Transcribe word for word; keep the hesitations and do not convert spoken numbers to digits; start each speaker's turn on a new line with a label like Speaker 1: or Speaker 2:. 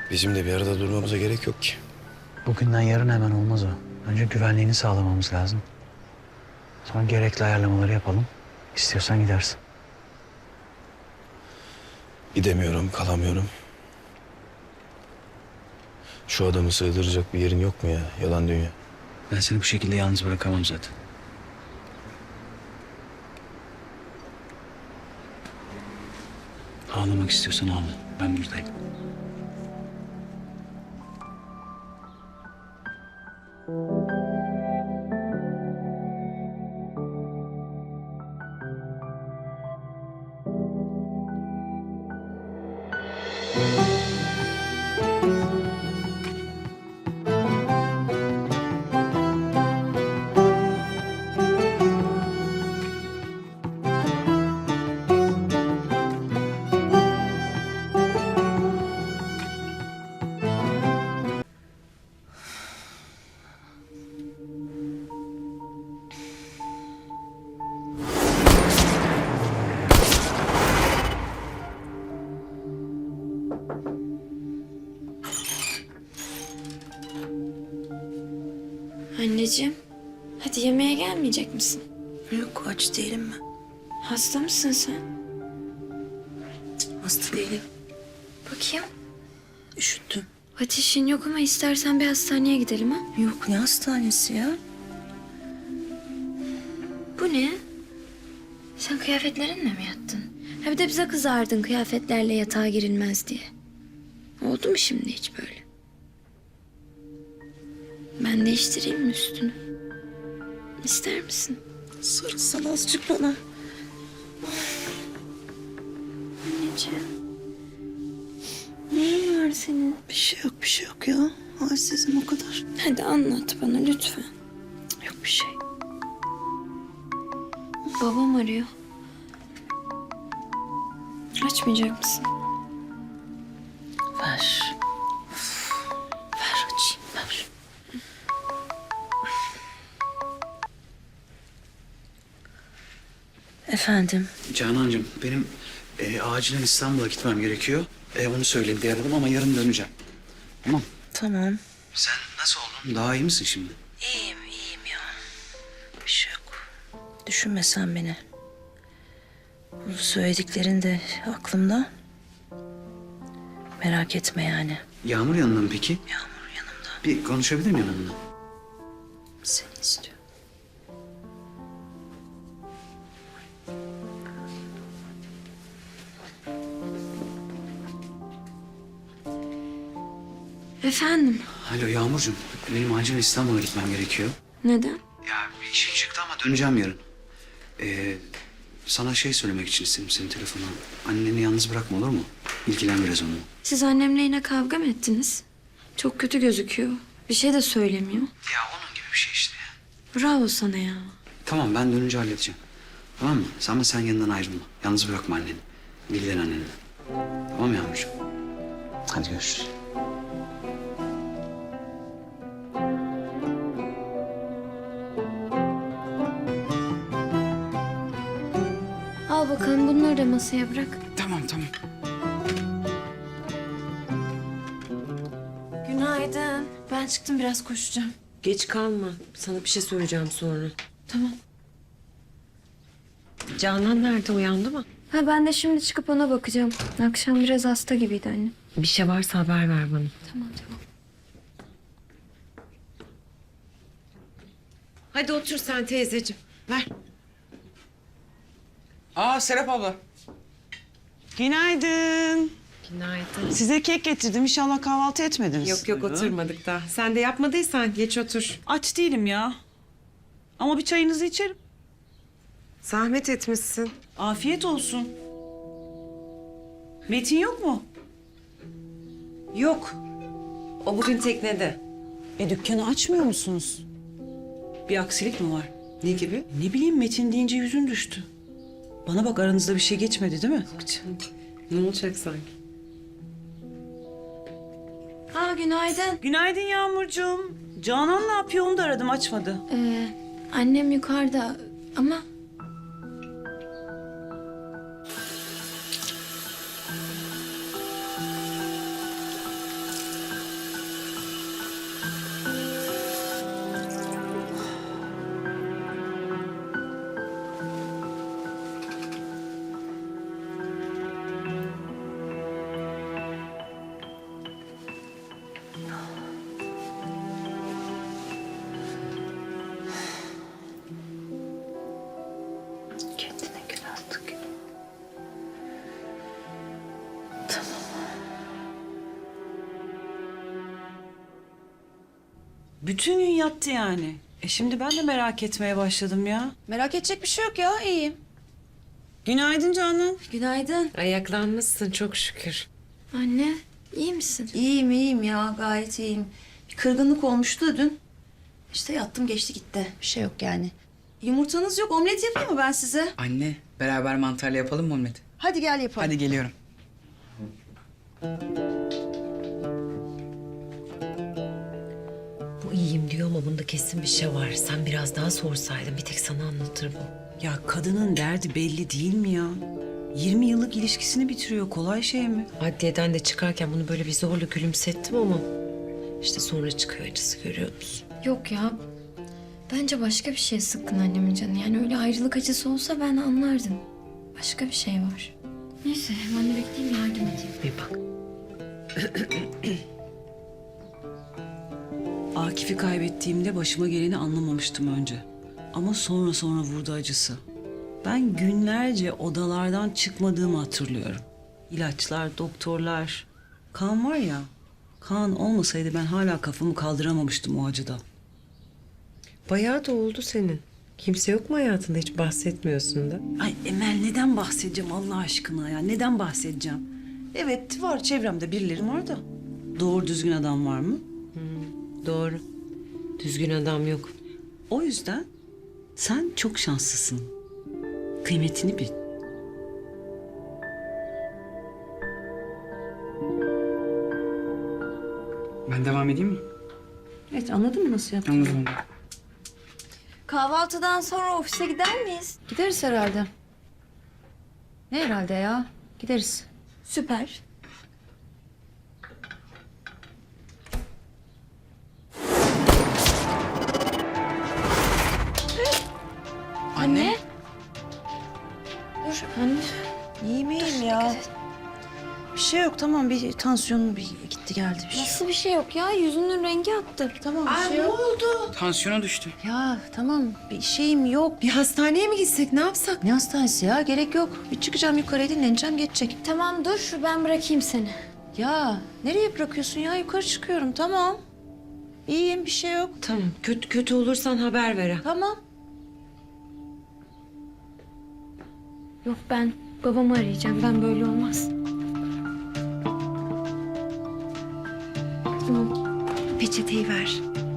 Speaker 1: Bizim de bir arada durmamıza gerek yok ki.
Speaker 2: Bugünden yarın hemen olmaz o. Önce güvenliğini sağlamamız lazım. Sonra gerekli ayarlamaları yapalım. İstiyorsan gidersin.
Speaker 1: Gidemiyorum, kalamıyorum. Şu adamı sığdıracak bir yerin yok mu ya? Yalan dünya.
Speaker 2: Ben seni bu şekilde yalnız bırakamam zaten. Ağlamak istiyorsan ağla. Ben buradayım.
Speaker 3: Anneciğim, hadi yemeğe gelmeyecek misin?
Speaker 4: Yok, aç değilim ben.
Speaker 3: Hasta mısın sen?
Speaker 4: Hasta değilim.
Speaker 3: Bakayım.
Speaker 4: Üşüttüm.
Speaker 3: Ateşin yok ama istersen bir hastaneye gidelim ha?
Speaker 4: Yok, ne hastanesi ya?
Speaker 3: Bu ne? Sen kıyafetlerinle mi yattın? Ha bir de bize kızardın kıyafetlerle yatağa girilmez diye. Oldu mu şimdi hiç böyle? Ben değiştireyim mi üstünü? İster misin?
Speaker 4: Sarılsan azıcık bana.
Speaker 3: Anneciğim. Neyin var senin?
Speaker 4: Bir şey yok, bir şey yok ya. Halsizim o kadar.
Speaker 3: Hadi anlat bana lütfen.
Speaker 4: Yok bir şey.
Speaker 3: Babam arıyor. Açmayacak mısın?
Speaker 4: Ver. Ver açayım, ver. Efendim?
Speaker 2: Canancığım benim e, acilen İstanbul'a gitmem gerekiyor. E, onu söyleyeyim diye aradım ama yarın döneceğim. Tamam.
Speaker 4: Tamam.
Speaker 2: Sen nasıl oldun? Daha iyi misin şimdi?
Speaker 4: İyiyim, iyiyim ya. Bir şey yok. Düşünme sen beni. Bu söylediklerin de aklımda. Merak etme yani.
Speaker 2: Yağmur yanında mı peki?
Speaker 4: Yağmur yanımda.
Speaker 2: Bir konuşabilir miyim onunla?
Speaker 4: Seni istiyor.
Speaker 3: Efendim?
Speaker 2: Alo Yağmurcuğum. Benim acilen İstanbul'a gitmem gerekiyor.
Speaker 3: Neden?
Speaker 2: Ya bir işim çıktı ama döneceğim yarın. Ee, sana şey söylemek için istedim senin telefonu. Anneni yalnız bırakma olur mu? İlgilen biraz onunla.
Speaker 3: Siz annemle yine kavga mı ettiniz? Çok kötü gözüküyor. Bir şey de söylemiyor.
Speaker 2: Ya onun gibi bir şey işte ya.
Speaker 3: Bravo sana ya.
Speaker 2: Tamam ben dönünce halledeceğim. Tamam mı? Sen ama sen yanından ayrılma. Yalnız bırakma anneni. İlgilen annenle. Tamam Yağmurcuğum. Hadi görüşürüz.
Speaker 3: Al bakalım bunları da masaya bırak.
Speaker 2: Tamam tamam.
Speaker 3: Günaydın. Ben çıktım biraz koşacağım.
Speaker 5: Geç kalma. Sana bir şey söyleyeceğim sonra.
Speaker 3: Tamam.
Speaker 5: Canan nerede? Uyandı mı?
Speaker 3: Ha ben de şimdi çıkıp ona bakacağım. Akşam biraz hasta gibiydi anne.
Speaker 5: Bir şey varsa haber ver bana.
Speaker 3: Tamam tamam.
Speaker 5: Hadi otur sen teyzeciğim. Ver.
Speaker 6: Aa Serap abla. Günaydın.
Speaker 5: Günaydın.
Speaker 6: Size kek getirdim. İnşallah kahvaltı etmediniz.
Speaker 5: Yok yok oturmadık daha. Sen de yapmadıysan geç otur.
Speaker 6: Aç değilim ya. Ama bir çayınızı içerim.
Speaker 5: Zahmet etmişsin.
Speaker 6: Afiyet olsun. Metin yok mu?
Speaker 5: Yok. O bugün teknede.
Speaker 6: E dükkanı açmıyor musunuz? Bir aksilik mi var?
Speaker 5: Ne gibi?
Speaker 6: Ne bileyim Metin deyince yüzün düştü. Bana bak aranızda bir şey geçmedi değil mi?
Speaker 5: Canım, ne olacak sanki?
Speaker 3: Ha günaydın.
Speaker 6: Günaydın Yağmurcuğum. Canan ne yapıyor onu da aradım açmadı.
Speaker 3: Ee, annem yukarıda ama...
Speaker 6: Bütün gün yattı yani. E şimdi ben de merak etmeye başladım ya.
Speaker 7: Merak edecek bir şey yok ya, iyiyim.
Speaker 6: Günaydın Canan.
Speaker 7: Günaydın.
Speaker 5: Ayaklanmışsın çok şükür.
Speaker 3: Anne, iyi misin?
Speaker 7: İyiyim, iyiyim ya, gayet iyiyim. Bir kırgınlık olmuştu da dün. İşte yattım geçti gitti. Bir şey yok yani. Yumurtanız yok, omlet yapayım mı ben size?
Speaker 8: Anne, beraber mantarlı yapalım mı omlet?
Speaker 7: Hadi gel yapalım.
Speaker 8: Hadi geliyorum.
Speaker 9: Bu iyiyim diyor ama bunda kesin bir şey var. Sen biraz daha sorsaydın bir tek sana anlatır bu.
Speaker 6: Ya kadının derdi belli değil mi ya? yirmi yıllık ilişkisini bitiriyor. Kolay şey mi?
Speaker 9: Adliyeden de çıkarken bunu böyle bir zorla gülümsettim ama... işte sonra çıkıyor acısı, görüyor musun?
Speaker 3: Yok ya. Bence başka bir şey sıkkın annemin canı. Yani öyle ayrılık acısı olsa ben anlardım. Başka bir şey var. Neyse ben de bekleyeyim yardım edeyim.
Speaker 9: Bir bak.
Speaker 6: Akif'i kaybettiğimde başıma geleni anlamamıştım önce. Ama sonra sonra vurdu acısı. Ben günlerce odalardan çıkmadığımı hatırlıyorum. İlaçlar, doktorlar. Kaan var ya, Kaan olmasaydı ben hala kafamı kaldıramamıştım o acıdan.
Speaker 5: Bayağı da oldu senin. Kimse yok mu hayatında, hiç bahsetmiyorsun da?
Speaker 6: Ay Emel, neden bahsedeceğim Allah aşkına ya? Neden bahsedeceğim? Evet var, çevremde birileri var da. Doğru düzgün adam var mı?
Speaker 5: Doğru. Düzgün adam yok.
Speaker 6: O yüzden sen çok şanslısın. Kıymetini bil.
Speaker 8: Ben devam edeyim mi?
Speaker 7: Evet, anladın mı nasıl yaptın?
Speaker 8: Anladım anne.
Speaker 3: Kahvaltıdan sonra ofise gider miyiz?
Speaker 7: Gideriz herhalde. Ne herhalde ya? Gideriz.
Speaker 3: Süper.
Speaker 8: Anne.
Speaker 3: Dur anne.
Speaker 6: İyiyim iyiyim ya. Bir şey yok, tamam, bir tansiyonum bir gitti geldi bir şey.
Speaker 3: Nasıl bir şey yok ya? Yüzünün rengi attı.
Speaker 7: Tamam, bir şey yok.
Speaker 8: Tansiyonu düştü.
Speaker 7: Ya tamam, bir şeyim yok.
Speaker 5: Bir hastaneye mi gitsek, ne yapsak?
Speaker 7: Ne hastanesi ya? Gerek yok. Bir çıkacağım yukarıya, dinleneceğim, geçecek.
Speaker 3: Tamam dur ben bırakayım seni.
Speaker 7: Ya nereye bırakıyorsun ya? Yukarı çıkıyorum, tamam. İyiyim, bir şey yok.
Speaker 5: Tamam, kötü kötü olursan haber ver ha.
Speaker 7: Tamam.
Speaker 3: Yok ben babamı arayacağım. Ben böyle olmaz. Tamam. Peçeteyi ver.